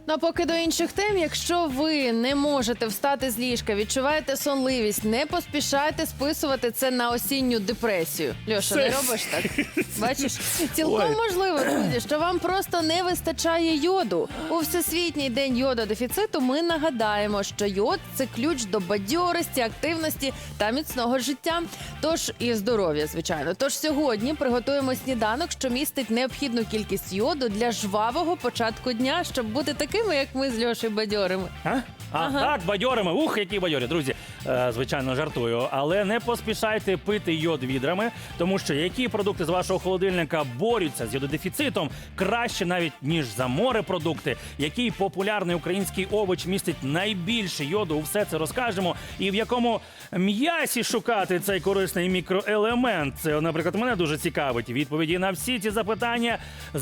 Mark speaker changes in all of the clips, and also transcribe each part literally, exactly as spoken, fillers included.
Speaker 1: Ну, а поки до інших тем, якщо ви не можете встати з ліжка, відчуваєте сонливість, не поспішайте списувати це на осінню депресію. Льоша,
Speaker 2: Це-
Speaker 1: не робиш так? Бачиш? Цілком
Speaker 2: Ой.
Speaker 1: можливо, друзі, що вам просто не вистачає йоду. У Всесвітній день йододефіциту ми нагадаємо, що йод – це ключ до бадьорості, активності та міцного життя. Тож і здоров'я, звичайно. Тож сьогодні приготуємо сніданок, що містить необхідну кількість йоду для жвавого початку дня, щоб бути такими, як ми з Льошею, бадьорими.
Speaker 2: А? А,
Speaker 1: Ага.
Speaker 2: так, бадьорими. Ух, які бадьорі. Друзі, е, звичайно, жартую. Але не поспішайте пити йод відрами, тому що які продукти з вашого холодильника борються з йододефіцитом краще навіть, ніж за морепродукти. Який популярний український овоч містить найбільше йоду, все це розкажемо. І в якому м'ясі шукати цей корисний мікроелемент. Це, наприклад, мене дуже цікавить. Відповіді на всі ці запитання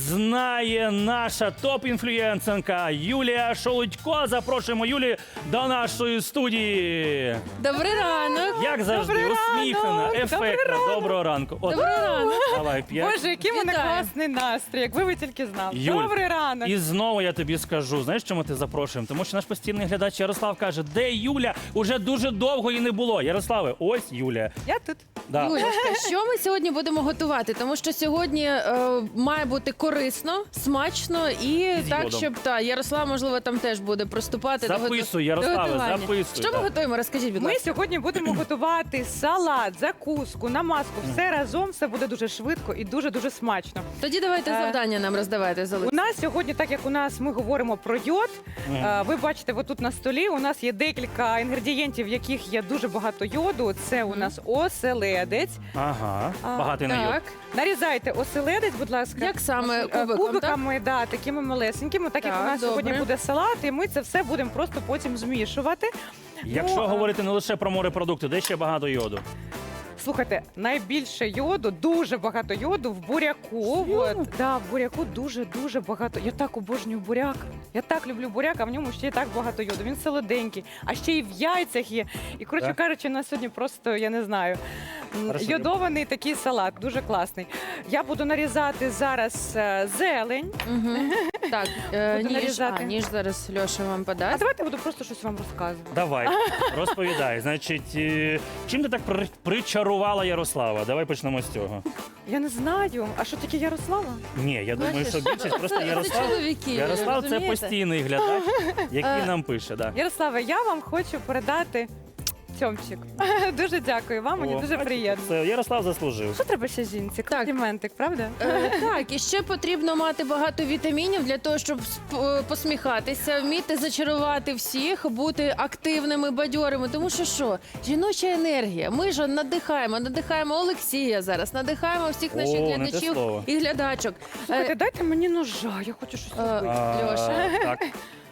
Speaker 2: знає наша топ-інфлюєнсерка Юлія Шолудько. Запрошуємо Юлію до нашої студії.
Speaker 1: Добрий ранок!
Speaker 2: Як завжди,
Speaker 3: Добрий
Speaker 2: усміхнена,
Speaker 3: ранок,
Speaker 2: ефектна.
Speaker 3: добрий ранок.
Speaker 2: Доброго ранку. От,
Speaker 1: Добрий ранок!
Speaker 2: давай, п'ять.
Speaker 3: Боже, який в мене
Speaker 1: Вітаю.
Speaker 3: класний настрій, якби ви тільки знали.
Speaker 2: Юль,
Speaker 3: Добрий ранок.
Speaker 2: І знову я тобі скажу, знаєш, чому ти запрошуємо? Тому що наш постійний глядач Ярослав каже, де Юля? Уже дуже довго її не було. Ярославе, ось Юля.
Speaker 3: Я тут.
Speaker 2: Да.
Speaker 1: Юлечка, що ми сьогодні будемо готувати? Тому що сьогодні е, має бути корисно, смачно і
Speaker 2: з
Speaker 1: так,
Speaker 2: йодом.
Speaker 1: щоб та Ярослав, можливо, там теж буде приступати до,
Speaker 2: Записуй,
Speaker 1: готу- до
Speaker 2: Ярославе,
Speaker 1: готування.
Speaker 2: записуй,
Speaker 1: Що ми
Speaker 2: так.
Speaker 1: готуємо? Розкажіть, будь
Speaker 3: Ми
Speaker 1: ласка.
Speaker 3: сьогодні будемо готувати салат, закуску, намазку. Все разом, все буде дуже швидко і дуже-дуже смачно.
Speaker 1: Тоді давайте
Speaker 3: Е,
Speaker 1: завдання нам роздавайте.
Speaker 3: У
Speaker 1: Залиць.
Speaker 3: нас сьогодні, так як у нас ми говоримо про йод,
Speaker 2: Мгм.
Speaker 3: е, ви бачите, отут на столі у нас є декілька інгредієнтів, в яких є дуже багато йоду. Це у нас оселедець.
Speaker 2: Ага,
Speaker 3: А,
Speaker 2: багатий на йод.
Speaker 1: Так,
Speaker 3: Нарізайте оселедець, будь ласка.
Speaker 1: як саме
Speaker 3: Е,
Speaker 1: кубиком, так?
Speaker 3: Кубиками, да, такими малесенькими. Так, як
Speaker 1: Так,
Speaker 3: у нас сьогодні
Speaker 1: добре.
Speaker 3: буде салат, і ми це все будемо просто потім змішувати.
Speaker 2: Якщо
Speaker 3: Ну, а-
Speaker 2: говорити не лише про морепродукти, де ще багато йоду?
Speaker 3: Слухайте, найбільше йоду, дуже багато йоду в буряку. От, да, в буряку дуже-дуже багато. Я так обожнюю буряк. Я так люблю буряк, а в ньому ще й так багато йоду. Він солоденький, а ще й в яйцях є. І, коротше
Speaker 2: Так.
Speaker 3: кажучи, на сьогодні просто, я не знаю, м,
Speaker 2: Хорошо.
Speaker 3: йодований такий салат, дуже класний. Я буду нарізати зараз е, зелень.
Speaker 1: Мгм. Так, е,
Speaker 3: Буду
Speaker 1: ніж,
Speaker 3: нарізати.
Speaker 1: а, ніж зараз Льоша вам
Speaker 3: А
Speaker 1: подасть.
Speaker 3: давайте я буду просто щось вам розказувати.
Speaker 2: Давай, розповідай. Значить, е, чим ти так при- причарувала Ярослава? Давай почнемо з цього.
Speaker 3: Я не знаю. А що таке Ярослава?
Speaker 2: Ні, я думаю,
Speaker 1: Бачиш?
Speaker 2: що більшість просто
Speaker 1: Це- це
Speaker 2: Ярослав.
Speaker 1: чоловіки,
Speaker 2: Ярослав це
Speaker 1: розумієте?
Speaker 2: постійний глядач, який
Speaker 1: Е,
Speaker 2: нам пише. Да.
Speaker 3: Ярославе, я вам хочу передати цьомчик. Дуже дякую вам, мені
Speaker 2: О,
Speaker 3: дуже
Speaker 2: бачите,
Speaker 3: приємно.
Speaker 2: Це Ярослав заслужив.
Speaker 3: Що треба ще жінці? Компліментик, правда?
Speaker 1: Е, так, і ще потрібно мати багато вітамінів для того, щоб сп- е, посміхатися, вміти зачарувати всіх, бути активними, бадьорими. Тому що що? Жіноча енергія. Ми ж надихаємо, надихаємо Олексія зараз, надихаємо всіх наших
Speaker 2: О, не те
Speaker 1: глядачів
Speaker 2: слово.
Speaker 1: і глядачок.
Speaker 3: Слухайте,
Speaker 1: Е,
Speaker 3: дайте мені ножа, я хочу щось
Speaker 1: Е,
Speaker 3: робити.
Speaker 2: А,
Speaker 1: Льоша.
Speaker 2: Так.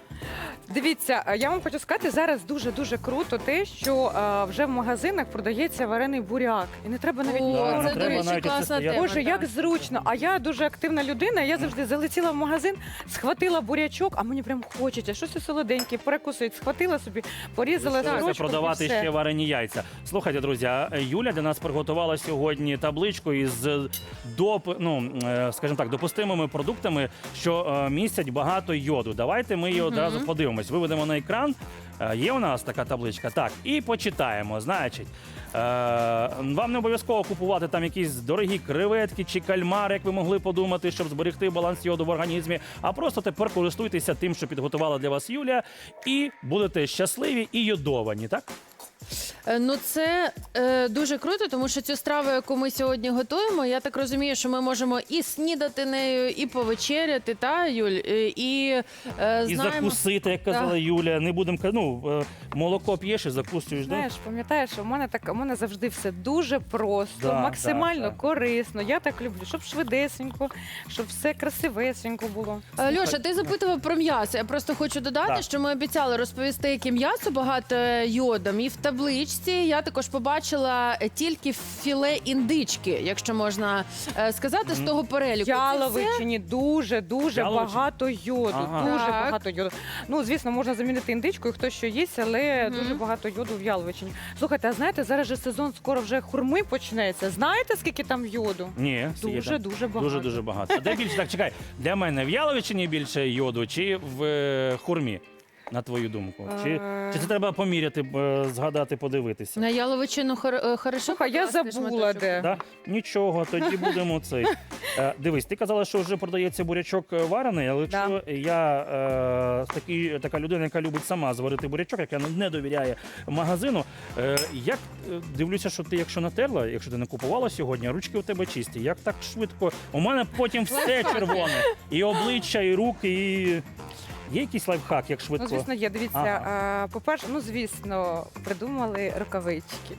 Speaker 3: Дивіться, е, я вам хочу сказати, зараз дуже-дуже круто те, що е, вже в магазинах продається варений буряк. І не треба навіть
Speaker 1: О,
Speaker 3: нічого
Speaker 2: Да, не
Speaker 1: це, до
Speaker 2: треба
Speaker 1: речі,
Speaker 2: навіть
Speaker 1: класна
Speaker 2: оце стояти.
Speaker 1: тема.
Speaker 3: Боже, як
Speaker 1: так.
Speaker 3: зручно. А я дуже активна людина. Я завжди залетіла в магазин, схватила бурячок, а мені прям хочеться. Щось солоденьке, перекусить. Схватила собі, порізала
Speaker 2: Залишилося
Speaker 3: сорочку.
Speaker 2: продавати
Speaker 3: і все.
Speaker 2: ще варені яйця. Слухайте, друзі, а Юля для нас приготувала сьогодні табличку із доп, ну, е, скажімо так, допустимими продуктами, що е, містять багато йоду. Давайте ми її одразу подивимось. Виведемо на екран. Е, Є у нас така табличка. Так, і почитаємо. Значить, е, вам не обов'язково купувати там якісь дорогі креветки чи кальмари, як ви могли подумати, щоб зберегти баланс йоду в організмі. А просто тепер користуйтеся тим, що підготувала для вас Юлія, і будете щасливі і йодовані, так?
Speaker 1: Е, Ну, це е, дуже круто, тому що цю страву, яку ми сьогодні готуємо, я так розумію, що ми можемо і снідати нею, і повечеряти, та, Юль? Е, І, е,
Speaker 2: І
Speaker 1: знаємо...
Speaker 2: закусити, як казала
Speaker 1: Так.
Speaker 2: Юля. Не будемо ка- ну, е, молоко п'єш і закусуєш. Да?
Speaker 3: Знаєш, пам'ятаєш, у мене так у мене завжди все дуже просто,
Speaker 2: Да,
Speaker 3: максимально
Speaker 2: да, да.
Speaker 3: корисно. Я так люблю, щоб швидесенько, щоб все красивесенько було.
Speaker 1: Е, Льоша, ти запитував про м'ясо. Я просто хочу додати,
Speaker 2: Так.
Speaker 1: що ми обіцяли розповісти, яке м'ясо багато йодом. І в табличці рукавичці я також побачила е, тільки філе індички, якщо можна е, сказати, з того переліку. Це все?
Speaker 3: Яловичині дуже дуже
Speaker 2: Яловичині?
Speaker 3: багато йоду.
Speaker 2: Ага.
Speaker 3: Дуже
Speaker 1: Так.
Speaker 3: багато йоду. Ну звісно, можна замінити індичкою, хто що їсть, але
Speaker 1: Мгм.
Speaker 3: дуже багато йоду в яловичині. Слухайте, а знаєте, зараз же сезон скоро вже хурми почнеться. Знаєте, скільки там йоду?
Speaker 2: Ні,
Speaker 3: Дуже
Speaker 2: Сіда.
Speaker 3: дуже багато.
Speaker 2: Дуже дуже багато. А де більше так чекай? Для мене в яловичині більше йоду чи в е, хурмі? На твою думку? Чи,
Speaker 3: Е.
Speaker 2: чи це треба поміряти, е, згадати, подивитися?
Speaker 1: На яловичину хор, е, хорошо.
Speaker 3: Слухай, я
Speaker 1: покласти
Speaker 3: забула
Speaker 1: шматочок?
Speaker 3: де.
Speaker 2: Да? Нічого, тоді будемо цей. Е, дивись, ти казала, що вже продається бурячок е, варений, але
Speaker 3: Да.
Speaker 2: якщо я е, такий, така людина, яка любить сама зварити бурячок, яка не довіряє магазину, е, як е, дивлюся, що ти, якщо натерла, якщо ти не купувала сьогодні, ручки у тебе чисті. Як так швидко? У мене потім все червоне. І обличчя, і руки, і. Є якийсь лайфхак, як швидко?
Speaker 3: Ну, звісно, є. Дивіться,
Speaker 2: Ага.
Speaker 3: а, по-перше, ну звісно, придумали рукавички.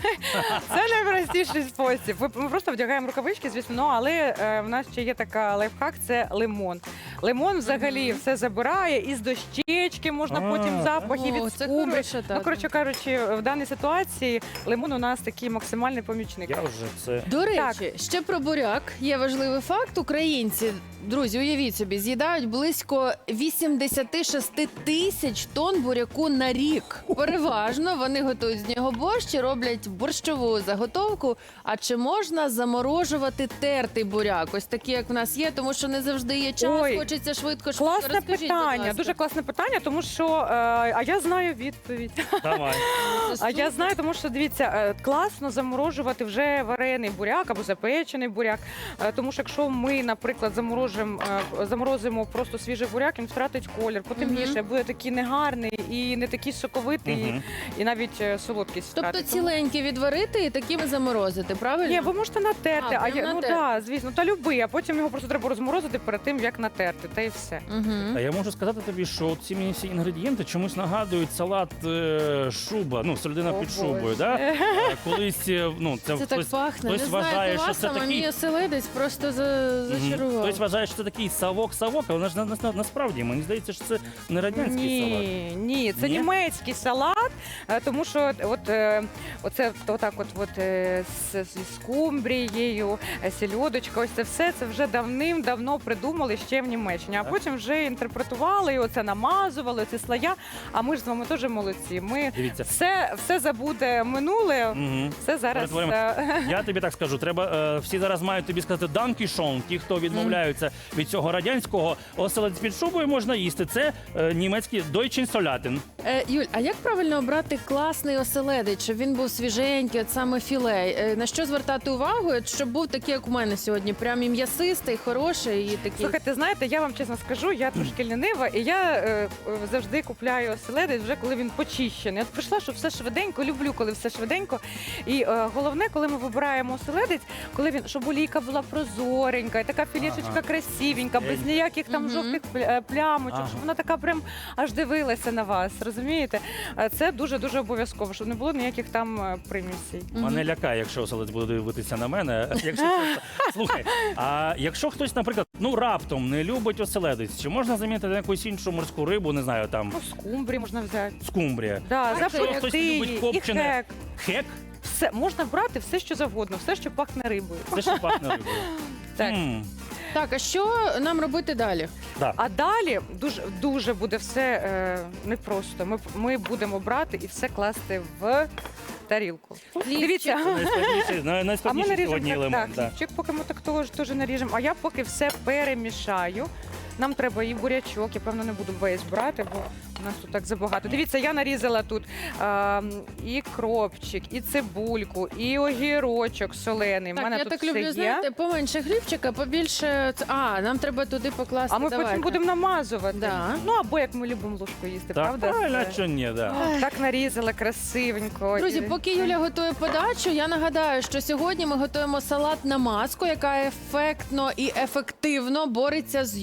Speaker 3: Це найпростіший спосіб. Ви- Ми просто вдягаємо рукавички, звісно, ну, але е, в нас ще є така лайфхак, це лимон. Лимон взагалі
Speaker 1: Мгм.
Speaker 3: все забирає, і з дощечки можна
Speaker 2: А,
Speaker 3: потім запахи
Speaker 1: О,
Speaker 3: від
Speaker 1: це
Speaker 3: скумбрії.
Speaker 1: хороша,
Speaker 3: Ну,
Speaker 1: так.
Speaker 3: коротше кажучи, в даній ситуації лимон у нас такий максимальний помічник.
Speaker 2: Я вже це.
Speaker 1: До речі,
Speaker 3: Так.
Speaker 1: ще про буряк є важливий факт. Українці, друзі, уявіть собі, з'їдають близько вісімдесят шість тисяч тонн буряку на рік. Переважно вони готують з нього борщ і роблять борщову заготовку. А чи можна заморожувати тертий буряк? Ось такі, як в нас є, тому що не завжди є час,
Speaker 3: Ой,
Speaker 1: хочеться швидко швидко.
Speaker 3: Класне
Speaker 1: Розкажіть, будь
Speaker 3: питання,
Speaker 1: ласка.
Speaker 3: дуже класне питання, тому що е, а я знаю відповідь.
Speaker 2: Давай.
Speaker 3: А я знаю, тому що дивіться, е, класно заморожувати вже варений буряк або запечений буряк. Е, Тому що якщо ми, наприклад, заморожимо, е, заморозимо просто свіжий буряк, він втратить колір, потемніше, буде такий негарний і не такий соковитий,
Speaker 2: Мгм.
Speaker 3: і навіть е, солодкість
Speaker 1: Тобто
Speaker 3: втратить. Тому-
Speaker 1: ціленькі відварити і такими заморозити, правильно?
Speaker 3: Ні, ви можете натерти,
Speaker 1: А,
Speaker 3: а,
Speaker 1: прям
Speaker 3: я, ну
Speaker 1: натерти.
Speaker 3: так, звісно, та любий, а потім його просто треба розморозити перед тим, як натерти, та й все.
Speaker 1: Угу.
Speaker 2: А я можу сказати тобі, що ці мені всі інгредієнти чомусь нагадують салат е, шуба, ну, середина
Speaker 3: О,
Speaker 2: під шубою.
Speaker 3: Боже.
Speaker 2: Да? А колись, е, ну, це,
Speaker 1: Це так
Speaker 2: хтось,
Speaker 1: пахне.
Speaker 2: хтось
Speaker 1: Не знаю,
Speaker 2: вважає,
Speaker 1: про
Speaker 2: що
Speaker 1: вас,
Speaker 2: це
Speaker 1: а
Speaker 2: такий-
Speaker 1: мені оселедець просто за...
Speaker 2: Мгм.
Speaker 1: зачарував.
Speaker 2: Хтось вважає, що це такий савок-савок, але на, на, на, насправді мені здається, що це не радянський салат.
Speaker 3: Ні, ні, це
Speaker 2: Ні?
Speaker 3: німецький салат, е, тому що от, е, оце отак от, от е, з, з скумбрією, е, сільодочка, ось це все це вже давним-давно придумали ще в Німеччині, а
Speaker 2: Так.
Speaker 3: потім вже інтерпретували і оце намазували, ці слоя. А ми ж з вами теж молодці. Ми
Speaker 2: Дивіться.
Speaker 3: все, все забуде минуле,
Speaker 2: Угу.
Speaker 3: все зараз.
Speaker 2: Перетворимо.
Speaker 3: е,
Speaker 2: Я тобі так скажу, треба е, всі зараз мають тобі сказати данкішон. Ті, хто відмовляються від цього радянського, оселедець під шубою можна їсти. Це е, німецький дойчин солятин.
Speaker 1: Е, Юль, а як правильно обрати класний оселедець, щоб він був свіженький, от саме філе? Е, на що звертати увагу, от щоб був такий, як у мене сьогодні, прям і м'ясистий, хороший і такий.
Speaker 3: Слухайте, знаєте, я вам чесно скажу, я трошки лінива, і я е, е, завжди купляю оселедець вже коли він почищений. От прийшла, що все швиденько, люблю, коли все швиденько. І е, головне, коли ми вибираємо оселедець, коли він, щоб олійка була прозоренька, і така філішечка
Speaker 2: Ага.
Speaker 3: красивенька, без
Speaker 2: Свіженька.
Speaker 3: ніяких там
Speaker 1: Мгм.
Speaker 3: жовтих пля- е, плямочок,
Speaker 2: Ага.
Speaker 3: щоб вона така прям аж дивилася на вас. Розумієте? Е, Це дуже-дуже обов'язково, щоб не було ніяких там е, примісей.
Speaker 1: Мгм.
Speaker 2: Мене лякає, якщо оселедець буде дивитися на мене. Якщо чесно. Слухай, а якщо хтось, наприклад, ну раптом не любить оселедець, чи можна замінити на якусь іншу морську рибу, не знаю, там
Speaker 3: Ну, скумбрії можна взяти.
Speaker 2: скумбрія.
Speaker 3: Да,
Speaker 1: Так,
Speaker 2: якщо хтось
Speaker 3: запекти
Speaker 2: любить
Speaker 3: її, і
Speaker 2: копчене,
Speaker 3: хек.
Speaker 2: хек,
Speaker 3: Все можна брати все, що завгодно, все, що пахне рибою.
Speaker 2: це що пахне рибою.
Speaker 3: Так.
Speaker 2: М,
Speaker 1: Так, а що нам робити далі?
Speaker 2: да.
Speaker 3: А далі дуже дуже буде все е, непросто. Ми ми будемо брати і все класти в тарілку. Дивіться.
Speaker 2: Це найскладніший, най-
Speaker 3: А ми
Speaker 2: найскладніший
Speaker 3: наріжемо
Speaker 2: сьогодні
Speaker 3: так,
Speaker 2: елемент.
Speaker 3: так,
Speaker 2: Да.
Speaker 3: хлібчик, поки ми так теж, теж наріжемо. А я поки все перемішаю. Нам треба і бурячок, я певно не буду весь брати, бо у нас тут так забагато. Дивіться, я нарізала тут а, і кропчик, і цибульку, і огірочок солений. У
Speaker 1: Так,
Speaker 3: мене
Speaker 1: я
Speaker 3: тут
Speaker 1: так
Speaker 3: все
Speaker 1: люблю,
Speaker 3: є.
Speaker 1: знаєте, поменше хлібчика, побільше. ц- А, нам треба туди покласти.
Speaker 3: А ми
Speaker 1: Давайте.
Speaker 3: потім будемо намазувати.
Speaker 1: Да.
Speaker 3: Ну або як ми любимо ложку їсти,
Speaker 2: Так,
Speaker 3: правда?
Speaker 2: правильно,
Speaker 3: Це-
Speaker 2: а що ні, да.
Speaker 3: О, так нарізала красивенько.
Speaker 1: Друзі,
Speaker 3: І-
Speaker 1: поки Юля готує подачу, я нагадаю, що сьогодні ми готуємо салат на маску, яка ефектно і ефективно бореться з йододефіцитом.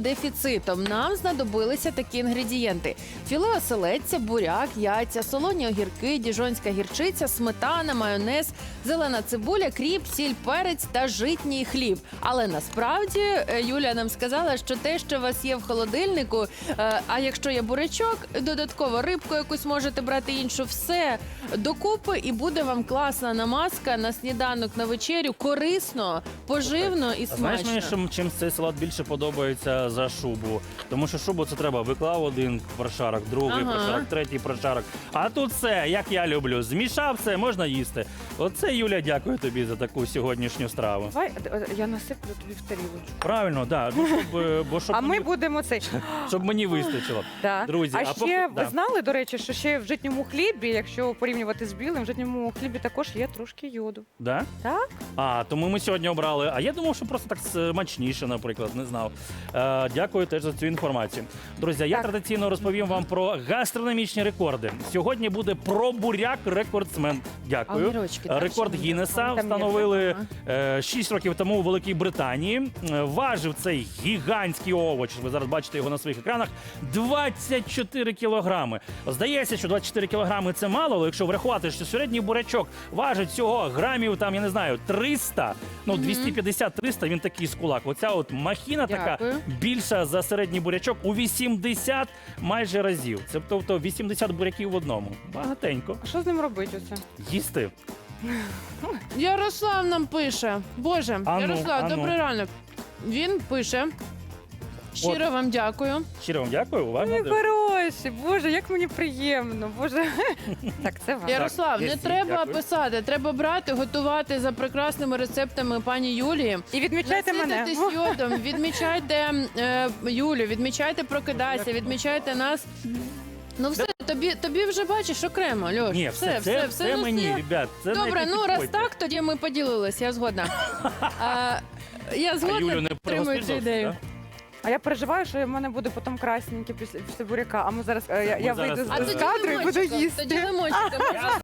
Speaker 1: йододефіцитом нам знадобилися такі інгредієнти: філе оселедця, буряк, яйця, солоні огірки, діжонська гірчиця, сметана, майонез, зелена цибуля, кріп, сіль, перець та житній хліб. Але насправді е, Юля нам сказала, що те, що у вас є в холодильнику, е, а якщо є бурячок, додатково рибку якусь можете брати іншу, все докупи і буде вам класна намазка на сніданок, на вечерю, корисно, поживно і
Speaker 2: А знаєш
Speaker 1: смачно.
Speaker 2: мені, що чим цей салат більше подобається за шубу? Тому що шубу це треба виклав один прошарок, другий
Speaker 1: Ага.
Speaker 2: прошарок, третій прошарок. А тут все, як я люблю. Змішав все, можна їсти. Оце, Юля, дякую тобі за таку сьогоднішню страву.
Speaker 3: Давай, е, я насиплю тобі в тарілочку.
Speaker 2: Правильно, да. Ну, щоб, е, бо щоб,
Speaker 3: А ми
Speaker 2: мені,
Speaker 3: будемо цей.
Speaker 2: щоб мені вистачило.
Speaker 3: Да.
Speaker 2: Друзі,
Speaker 3: а,
Speaker 2: а
Speaker 3: ще
Speaker 2: поки-
Speaker 3: ви
Speaker 2: да.
Speaker 3: знали, до речі, що ще в житньому хлібі, якщо порівнювати з білим, в житньому хлібі також є трошки йоду.
Speaker 2: Да?
Speaker 3: Так?
Speaker 2: А, тому ми сьогодні обрали. А я думав, що просто так смачніше, наприклад, не знав. Е, дякую теж за цю інформацію. Друзі, я
Speaker 3: Так.
Speaker 2: традиційно розповім вам про гастрономічні рекорди. Сьогодні буде про буряк рекордсмен. Дякую.
Speaker 1: Огірочки, так,
Speaker 2: Рекорд
Speaker 1: що ми
Speaker 2: Гіннеса
Speaker 3: там є?
Speaker 2: встановили
Speaker 1: Ага.
Speaker 2: е, шість років тому у Великій Британії. Е, Важив цей гігантський овоч. Ви зараз бачите його на своїх екранах. двадцять чотири кілограми. Здається, що двадцять чотири кілограми це мало, але якщо врахувати, що середній бурячок важить всього грамів, там, я не знаю, триста, ну, двісті п'ятдесят - триста, він такий з кулак. Оця от махіна така
Speaker 1: Дякую.
Speaker 2: більша за середній бурячок у вісімдесят майже разів. Це тобто вісімдесят буряків в одному. Багатенько.
Speaker 3: А що з ним робити оце?
Speaker 2: Їсти.
Speaker 1: Ярослав нам пише. Боже,
Speaker 2: Ану,
Speaker 1: Ярослав,
Speaker 2: ану.
Speaker 1: добрий ранок. Він пише. Щиро вам дякую.
Speaker 2: Щиро вам дякую. Уважно.
Speaker 3: Ой,
Speaker 2: дивлюсь.
Speaker 3: хороші, Боже, як мені приємно. Боже. Так, це вам.
Speaker 1: Ярослав,
Speaker 2: є
Speaker 1: не
Speaker 2: всі,
Speaker 1: треба
Speaker 2: дякую.
Speaker 1: писати, треба брати, готувати за прекрасними рецептами пані Юлії.
Speaker 3: І відмічайте мене.
Speaker 1: Насититись йодом, відмічайте е, Юлю, відмічайте Прокидайся, відмічайте нас. Ну все, тобі, тобі вже бачиш окремо, Льош.
Speaker 2: Ні, все, це, все,
Speaker 1: ну,
Speaker 2: мені,
Speaker 1: все.
Speaker 2: ребят. Це
Speaker 1: Добре,
Speaker 2: не
Speaker 1: ну раз
Speaker 2: підходьте.
Speaker 1: так, тоді ми поділились, я згодна. А, я
Speaker 2: А
Speaker 1: згодна,
Speaker 2: Юлю не
Speaker 1: підтримую цю
Speaker 2: пригостиш,
Speaker 1: ідею.
Speaker 2: да?
Speaker 3: А я переживаю, що в мене буде потім красненьке після, після буряка. А ми зараз е, я,
Speaker 2: Ми
Speaker 3: я
Speaker 2: зараз,
Speaker 3: вийду
Speaker 2: е,
Speaker 3: з,
Speaker 1: А
Speaker 3: з
Speaker 1: тоді
Speaker 3: кадру і буду
Speaker 1: лимончиком,
Speaker 3: їсти.
Speaker 1: Тоді лимончиком.